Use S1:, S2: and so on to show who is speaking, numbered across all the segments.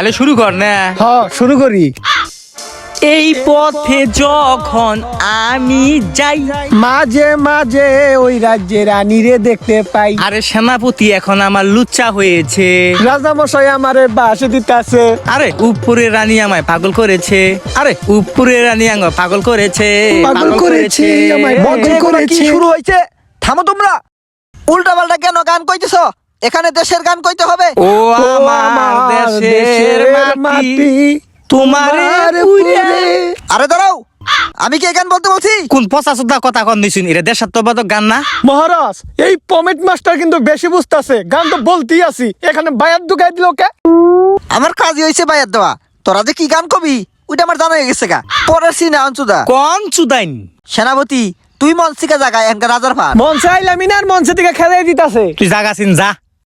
S1: তাহলে শুরু কর না।
S2: হ্যাঁ শুরু করি।
S1: এই পথে যখন আমি যাই,
S2: মাঝে মাঝে ওই রাজ্যের রানীরে দেখতে পাই।
S1: আরে সেনাপতি এখন আমার লুচ্চা হয়েছে।
S2: রাজা মশাই আমারে বাসে দিতাছে।
S1: আরে উপরে রানী আমায় পাগল করেছে। আরে উপরে রানী আমায় পাগল করেছে।
S2: পাগল করেছে, আমায় পাগল করেছে।
S3: শুরু হয়েছে, থামো তোমরা। উল্টা পাল্টা কেন গান কইতেছ? এখানে দেশের গান কইতে হবে।
S1: ও আমার দেশের মাটি তোমারে উইরে।
S3: আরে দাঁড়াও, আমি কি এই গান বলতে বলছি?
S1: কোন পচা সুদ্ধা কথা কন দিছুন, এটা দেশাত্মবাদক গান না?
S2: মহারাজ, এই পমেট মাস্টার কিন্তু বেশি বুঝতাছে। গান তো বলতেই আছি, এখানে বায়াত ঢুকাই দিল কে?
S3: আমার কাজই হয়েছে বাইয়ার দেওয়া। তোরা যে কি গান কবি ওইটা আমার জানা হয়ে গেছে গা। পরের সিনে অঞ্চুদা
S1: কোন চুদাইন?
S3: সেনাপতি তুই মনসিকা জায়গায় এনকা রাজার ভার
S2: মঞ্চে আইলামি না, আর মঞ্চে থেকে খেলাই দিতাছে।
S1: তুই জাগাছিন যা।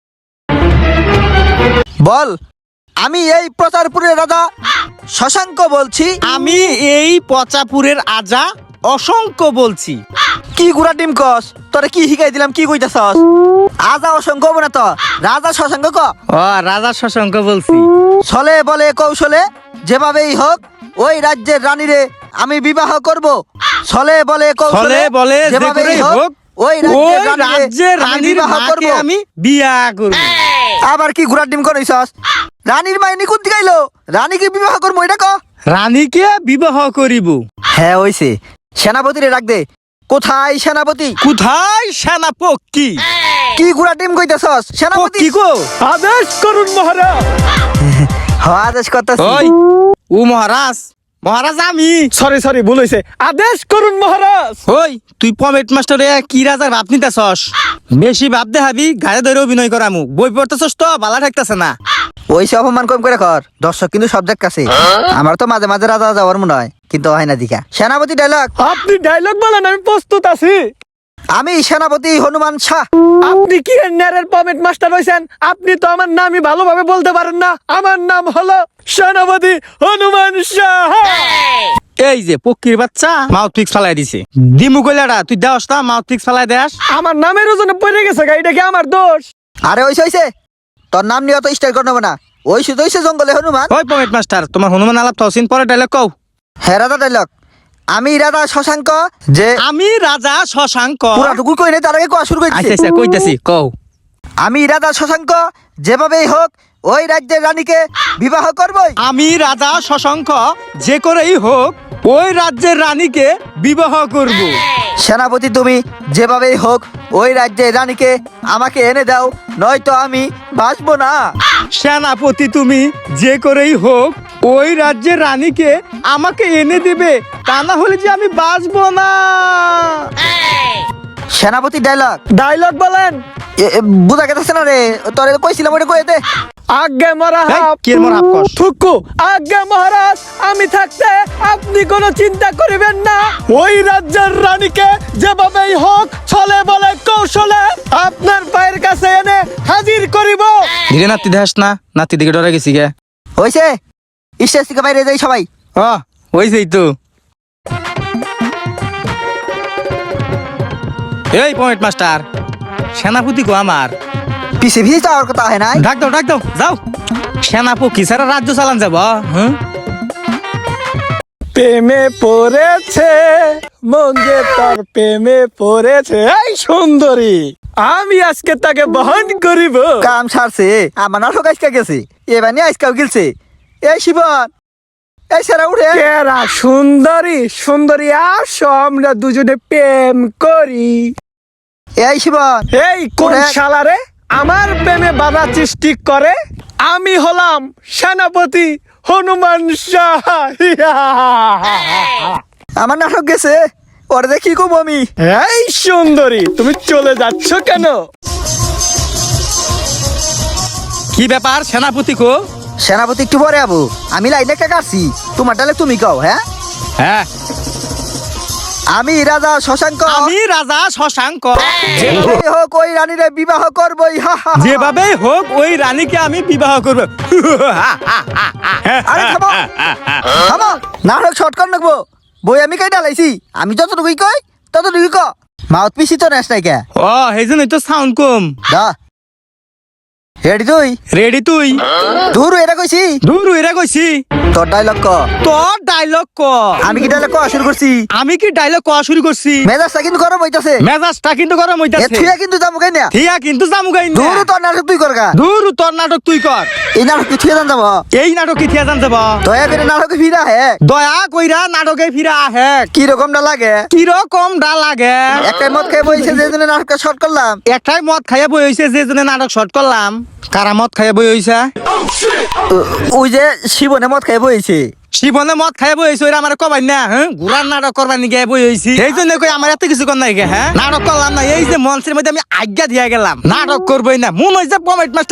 S3: বল। আমি এই প্রচারপুরের রাজা শশাঙ্ক বলছি।
S1: আমি এই পচাপুরের আজা অসংখ্য বলছি।
S3: কি গুড়া ডিম কস? তোরে কি শিখাই দিলাম, কি কইতাছস? আজা অসংখ্য হবো না তো, রাজা শশাঙ্ক ক।
S1: ও রাজা শশাঙ্ক বলছি।
S3: ছলে বলে কৌশলে যেভাবেই হোক ওই রাজ্যের রানীরে আমি বিবাহ করব। ছলে বলে কৌশলে
S1: ছলে বলে
S3: যেভাবেই
S1: যেকরেই হোক
S3: ওই
S1: ওই
S3: রাজ্যের
S1: রাজ্যের রানীর
S3: বিবাহ করব।
S1: মাকে আমি বিয়া করব।
S3: আবার কি ঘোড়ার ডিম কইছস? রানীর মাইনি কোন দিকে আইলো? রানীকে বিবাহ করবো এটা ক।
S1: রানীকে বিবাহ করিব।
S3: হ্যাঁ হইছে। সেনাপতিরে ডাক দে। কোথায় সেনাপতি?
S1: কোথায় সেনাপতি?
S3: কি ঘোড়া ডিম কইতাছস? সেনাপতি
S1: কি গো?
S2: আদেশ করুন মহারাজ।
S3: আদেশ করতেছি।
S1: ওই ও মহারাজ, মহারাজ আমি।
S2: সরি ভুল হইছে। আদেশ করুন মহারাজ।
S1: ওই তুই পমেট মাস্টারে কি রাজার ভাব নিতেছস? বেশি ভাব দেখাবি গায়ে ধরে অভিনয় করামু। বই পড়তেছস তো বালা ঠেকতেছে না।
S3: ওইসে অপমান কম করে কর। দর্শক কিন্তু সব কাছে। আমার তো মাঝে মাঝে রাজা যাওয়ার মনে হয়, কিন্তু হয় না দিকা। সেনাপতি ডায়লগ।
S2: আপনি ডায়লগ বলেন, আমি প্রস্তুত আছি।
S3: আমি সেনাপতি হনুমান শাহ।
S2: আপনি কি নেরের পমেট মাস্টার হইছেন? আপনি তো আমার নামই ভালোভাবে বলতে পারেন না। আমার নাম হলো সেনাপতি হনুমান শাহ।
S1: এই যে পক্ষীর বাচ্চা মাউথ ফিক্স ফালাই দিছে। দিমু কইলাটা তুই দেওস না, মাউথ ফিক্স ফালাই দেস।
S2: আমার নামের ওজনে পড়ে গেছে গা, এটা কি আমার দোষ?
S3: আরে হইছে তোর নাম নিয়ে তো স্টাইল করবো না। ওইসে জঙ্গলে হনুমান।
S1: ওই পমেট মাস্টার তোমার হনুমান আলাপ থাউসিন পরে ডায়লগ কও।
S3: হ্যাঁ রাজা ডায়লগ। আমি রাজা শশাঙ্ক যে
S1: আমি রাজা শশাঙ্ক।
S3: পুরাটুকু কই নাই, তার আগে কোয়া শুরু
S1: আচ্ছা
S3: করেছি।
S1: আচ্ছা কইতাছি কও।
S3: আমি রাজা শশাঙ্ক যেভাবেই হোক ওই রাজ্যের রানীকে বিবাহ করবই।
S1: আমি রাজা শশাঙ্ক যে করেই হোক ওই রাজ্যের রানীকে বিবাহ করব।
S3: সেনাপতি তুমি যেভাবেই হোক ওই রাজ্যের রানীকে আমাকে এনে দাও, নয়তো আমি বাঁচবো না।
S1: সেনাপতি তুমি যে করেই হোক ওই রাজ্যের রানীকে আমাকে এনে দিবে, তা না হলে যে আমি বাঁচবো না।
S3: সেনাপতি ডায়লগ।
S2: ডায়লগ বলেন।
S3: বুঝা গেছে না রে? তোরে কইছিলাম ওটা কইতে।
S2: আজ্ঞে মহারাজ।
S1: কি এর মোর হাফ কস?
S2: থুকু। আজ্ঞে মহারাজ, আমি থাকতে আপনি কোনো চিন্তা করিবেন না। ওই রাজ্যের রানীকে যেভাবেই হোক ছলে বলে কৌশলে আপনার পায়ের কাছে এনে হাজির করিব।
S1: ধীরে নাতি দেখাস না, নাতি দিকে ডরে গেছি গে।
S3: হইছে, স্টেজ থেকে বাইরে যাই সবাই।
S1: ওইছেই তো। এই পয়েন্ট মাস্টার, সেনাপতি কো আমার
S3: পিছে ভিজে যাওয়ার কথা হয় নাই।
S1: ডাক দাও যাও। সেনাপতি সারা রাজ্য চালান যাব। হ্যাঁ
S2: প্রেমে পড়েছে মন যে তার প্রেমে পড়েছে। এই সুন্দরী, আমি আজকে তাকে বহন করিব।
S3: কাম সারছে, আমার নাটক আজকা গেছে, এবার নিয়ে আজকাও গিলছে। এই শিবন, এই সেরা উঠে।
S2: কেরা সুন্দরী আসো আমরা দুজনে প্রেম করি।
S3: এই শিবন,
S2: এই কোন
S3: ওরে।
S2: শালারে আমার প্রেমে বাধা সৃষ্টি করে? আমি হলাম সেনাপতি হনুমান শাহ।
S3: আমার নাটক গেছে, ওরে দেখি কম আমি।
S2: এই সুন্দরী, তুমি চলে যাচ্ছ কেন?
S1: কি ব্যাপার সেনাপতি কো?
S3: সেনাপতি একটু পরে আবু, আমি লাইনে কে কাটছি, তোমার ডালে তুমি কও। হ্যাঁ,
S1: হ্যাঁ
S3: আমি রাজা শশাঙ্ক
S1: আমি রাজা শশাঙ্ক
S3: যেভাবেই হোক ওই রানীরে বিবাহ করবই।
S1: যেভাবেই হোক ওই রানীকে আমি বিবাহ করব।
S3: আরে থামো থামো, নাটক শর্ট কর নাকবো। বই আমি কাই ডালাইছি, আমি যতটুকুই কই ততটুকুই ক। মাউথ পিসি তো নেস নাই কে?
S1: ও সেই জন্যই তো সাউন্ড কম।
S3: দা রেডি তুই?
S1: রেডি তুই?
S3: দূর এটা কইছি।
S1: দূর এরা কইছি।
S3: তোর ডায়লগ ক।
S1: তোর ডায়লগ ক।
S3: আমি কি ডায়লগ কওয়া শুরু করছি?
S1: আমি কি ডায়লগ কওয়া শুরু করছি?
S3: মেজাজটা কিন্তু গরম হইতাছে।
S1: মেজাজটা কিন্তু গরম
S3: এ
S1: হইতাছে।
S3: থুয়া কিন্তু যাবো কেন?
S1: থিয়া কিন্তু জামুগাই না।
S3: দূর তোর নাটক তুই করগা।
S1: দূর তোর নাটক তুই কর।
S3: এই নাটক কি থুয়া যাব?
S1: এই নাটক কি থিয়া জান যাব?
S3: দয়া করে নাটকে ফিরা হে।
S1: দয়া কইরা নাটকে ফিরা আহে।
S3: কি রকমটা লাগে?
S1: কিরকম ডা লাগে?
S3: একটাই মদ খেয়ে বইছে যে জন্য নাটকটা শর্ট করলাম।
S1: একটাই মদ খাইয়া বই হইছে যে জন্য নাটক শর্ট করলাম। কারা মদ খাইয়া বই হইছে?
S3: ওই যে শিবনে মদ খেয়ে বইছে।
S1: শিবনে মদ খাইয়া বই হইছে, ওরা আমার কবাই না। হ্যাঁ, ঘুরার নাটক করবার নিয়ে বই হইছি। এই জন্য কই আমার এত কিছু কর নাই গে। হ্যাঁ, নাটক করলাম না। এই যে মঞ্চের মধ্যে আমি আজ্ঞা দিয়া গেলাম নাটক করবই না। মন হইছে পমেট